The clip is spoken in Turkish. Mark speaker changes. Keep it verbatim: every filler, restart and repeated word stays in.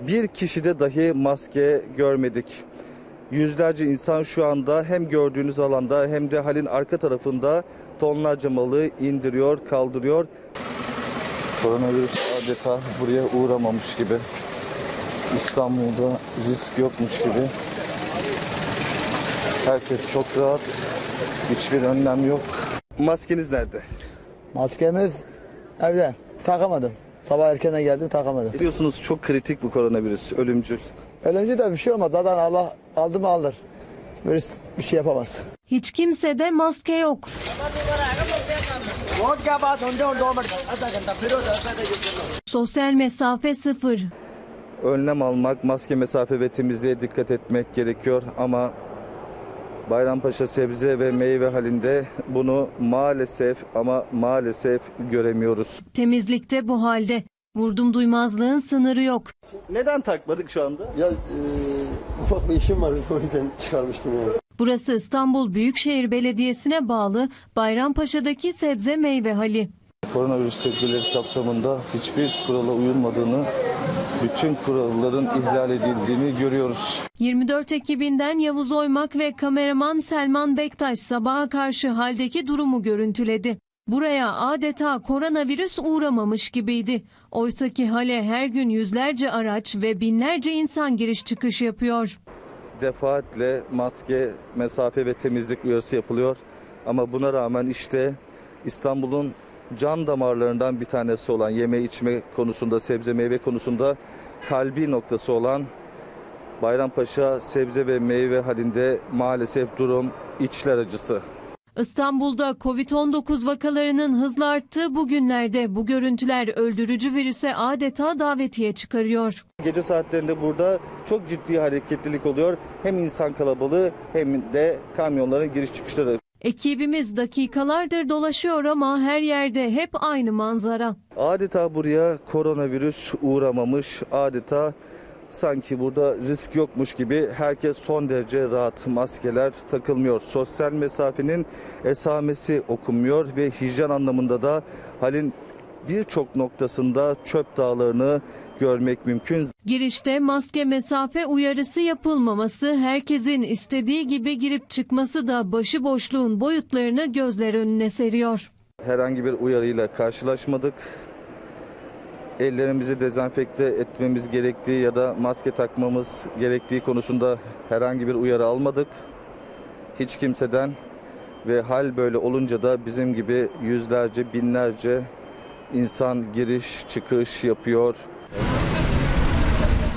Speaker 1: bir kişide dahi maske görmedik. Yüzlerce insan şu anda hem gördüğünüz alanda hem de halin arka tarafında tonlarca malı indiriyor, kaldırıyor. Koronavirüs adeta buraya uğramamış gibi. İstanbul'da risk yokmuş gibi. Herkes çok rahat. Hiçbir önlem yok. Maskeniz nerede?
Speaker 2: Maskemiz evde. Takamadım. Sabah erkene geldim, takamadım.
Speaker 1: Biliyorsunuz çok kritik bu koronavirüs, ölümcül.
Speaker 2: Ölümcü de bir şey olmaz. Zaten Allah aldı mı alır. Virüs bir şey yapamaz.
Speaker 3: Hiç kimsede maske yok. Sosyal mesafe sıfır.
Speaker 1: Önlem almak, maske, mesafe ve temizliğe dikkat etmek gerekiyor ama Bayrampaşa sebze ve meyve halinde bunu maalesef ama maalesef göremiyoruz.
Speaker 3: Temizlikte bu halde. Vurdum duymazlığın sınırı yok.
Speaker 1: Neden takmadık şu anda?
Speaker 4: Ya e, ufak bir işim var, o yüzden çıkarmıştım yani.
Speaker 3: Burası İstanbul Büyükşehir Belediyesi'ne bağlı Bayrampaşa'daki sebze meyve hali.
Speaker 1: Koronavirüs tedbirleri kapsamında hiçbir kurala uyulmadığını, bütün kuralların ihlal edildiğini görüyoruz.
Speaker 3: yirmi dört ekibinden Yavuz Oymak ve kameraman Selman Bektaş sabaha karşı haldeki durumu görüntüledi. Buraya adeta koronavirüs uğramamış gibiydi. Oysaki hale her gün yüzlerce araç ve binlerce insan giriş çıkış yapıyor.
Speaker 1: Defaatle maske, mesafe ve temizlik uyarısı yapılıyor. Ama buna rağmen işte İstanbul'un can damarlarından bir tanesi olan yeme içme konusunda, sebze meyve konusunda kalbi noktası olan Bayrampaşa sebze ve meyve halinde maalesef durum içler acısı.
Speaker 3: İstanbul'da kovid on dokuz vakalarının hızla arttığı bu günlerde bu görüntüler öldürücü virüse adeta davetiye çıkarıyor.
Speaker 1: Gece saatlerinde burada çok ciddi hareketlilik oluyor. Hem insan kalabalığı hem de kamyonların giriş çıkışları.
Speaker 3: Ekibimiz dakikalardır dolaşıyor ama her yerde hep aynı manzara.
Speaker 1: Adeta buraya koronavirüs uğramamış, adeta sanki burada risk yokmuş gibi herkes son derece rahat, maskeler takılmıyor. Sosyal mesafenin esamesi okunmuyor ve hijyen anlamında da halin birçok noktasında çöp dağlarını görmek mümkün.
Speaker 3: Girişte maske mesafe uyarısı yapılmaması, herkesin istediği gibi girip çıkması da başıboşluğun boyutlarını gözler önüne seriyor.
Speaker 1: Herhangi bir uyarıyla karşılaşmadık. Ellerimizi dezenfekte etmemiz gerektiği ya da maske takmamız gerektiği konusunda herhangi bir uyarı almadık. Hiç kimseden ve hal böyle olunca da bizim gibi yüzlerce, binlerce insan giriş çıkış yapıyor.